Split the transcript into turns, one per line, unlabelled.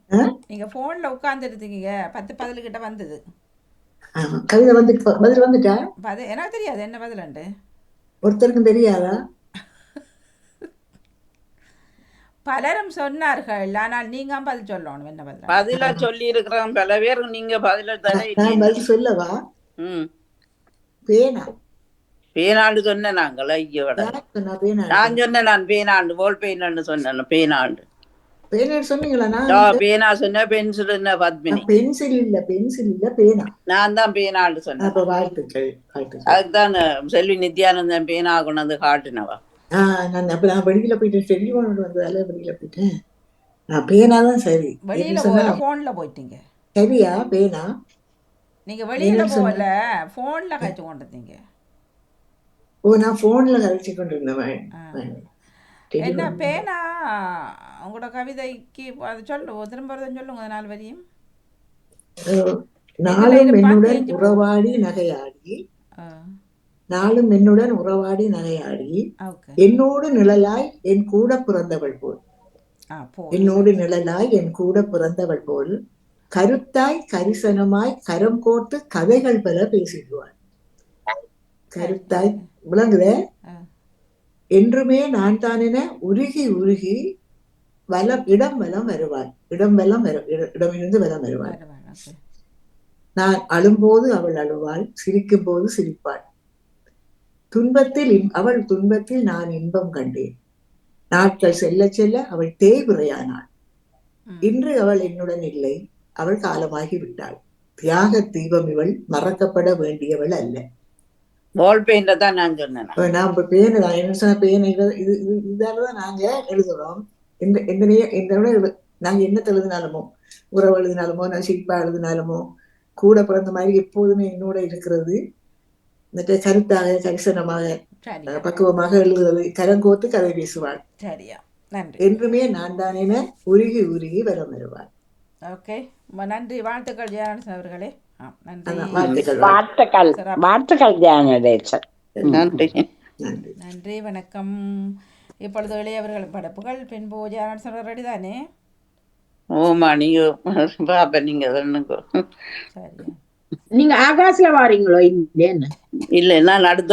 நீங்கள் ஃபோனில் உட்காந்துருந்தீங்க 10 கிட்ட வந்தது.
கவிதை வந்துட்டு பதில் வந்துட்டா?
எனக்கு தெரியாது என்ன பதிலண்டு.
ஒருத்தருக்கும் தெரியாதா?
பலரும் சொன்னார்கள், ஆனால் நீங்கள் பதில் சொல்லணும் என்ன பதில்.
பதிலா சொல்லி இருக்கிறோம் பல பேர், நீங்க பதில தர
நான்
இல்லையே.
பதில் சொல்லவா?
ம்.
பேனா.
பேனாண்டு சொன்ன நாங்கள் ஐயோட.
யார் சொன்னா பேனாண்டு?
நான் சொன்னேன், நான் பேனாண்டு போல் பெயின்னு சொன்னேன். பேனாண்டு
பேனா சொன்னீங்களா?
பேனா சொன்ன, பென்சில் என்ன பத்மினி.
பென்சில் இல்ல, பென்சில் இல்ல, பேனா.
நான் தான் பேனாண்டு சொன்னேன்.
அப்ப வாழ்த்துக்கள், வாழ்த்துக்கள்.
அதுக்குதான் செல்வி நித்யானந்தன் பேனா கொண்டு வந்து காட்டினவா.
நான் வெளியில போயிட்டேன், டெலிஃபோன் வந்ததால வெளியில போயிட்டேன். பேனாதான் சரி.
வெளியில போகல, போன்ல போயிட்டீங்க.
சரியா? பேனா.
நீங்க வெளியில போகல, போன்ல கழிச்சு கொண்டிருந்தீங்க.
ஓ, நான் போன்ல கழிச்சு கொண்டு இருந்தேன்.
என்ன பேனா? உங்களோட கவிதைக்கு அது சொல்லுவோம், திரும்ப சொல்லுங்க 4 வரியும்.
நாளும் என்னுடன் உறவாடி நகையாடி, நாளும் என்னுடன் உறவாடி நகையாடி, என்னோடு நிழலாய் என் கூட பிறந்தவள் போல், என்னோடு நிழலாய் என் கூட பிறந்தவள் போல், கருத்தாய் கரிசனமாய் கரம் கோர்த்து கதைகள் பல பேசிடுவாள். கருத்தாய் விளங்குத? என்றுமே நான் தான் என உருகி உருகி இடம் வலம் வருவாள். இடமிருந்து வலம் வருவாள். நான் அழும்போது அவள் அழுவாள், சிரிக்கும் போது சிரிப்பாள். அவள் துன்பத்தில் நான் இன்பம் கண்டேன். நாட்கள் செல்ல செல்ல அவள் தேய்விரையானாள். இன்று அவள் என்னுடன் இல்லை, அவள் காலமாகி விட்டாள். தியாக தீபம் இவள், மறக்கப்பட வேண்டியவள் அல்ல.
பால் பெயிண்ட தான் நான் சொன்னேன்.
நான் இப்ப பேனதான் என்ன சொன்ன, பேனை இதாலதான் நாங்க எழுதுறோம். நாங்க என்னத்தை எழுதினாலுமோ, உறவு எழுதினாலுமோ, நான் சிரிப்பா எழுதினாலுமோ, கூட பிறந்த மாதிரி எப்போதுமே என்னோட இருக்கிறது. கருத்தாக கரிசனமாக பக்குவமாக எழுதுறது. கரங்கோத்து கதை பேசுவாள். என்றுமே நான் தான் என உருகி உருகி வரம் வருவாள்.
ஓகே, நன்றி, வாழ்த்துக்கள் ஜெயராஜன் அவர்களே. நன்றி, வணக்கம். இப்பொழுது இளையவர்கள் படைப்புகள் பின்பு ஜெயராஜன் அவர்கள் ரெடி தானே?
ஓமா, நீங்க பாப்ப நீங்க
நீங்க ஆகாசில வாரீங்களோ? இல்ல, நான் அடுத்த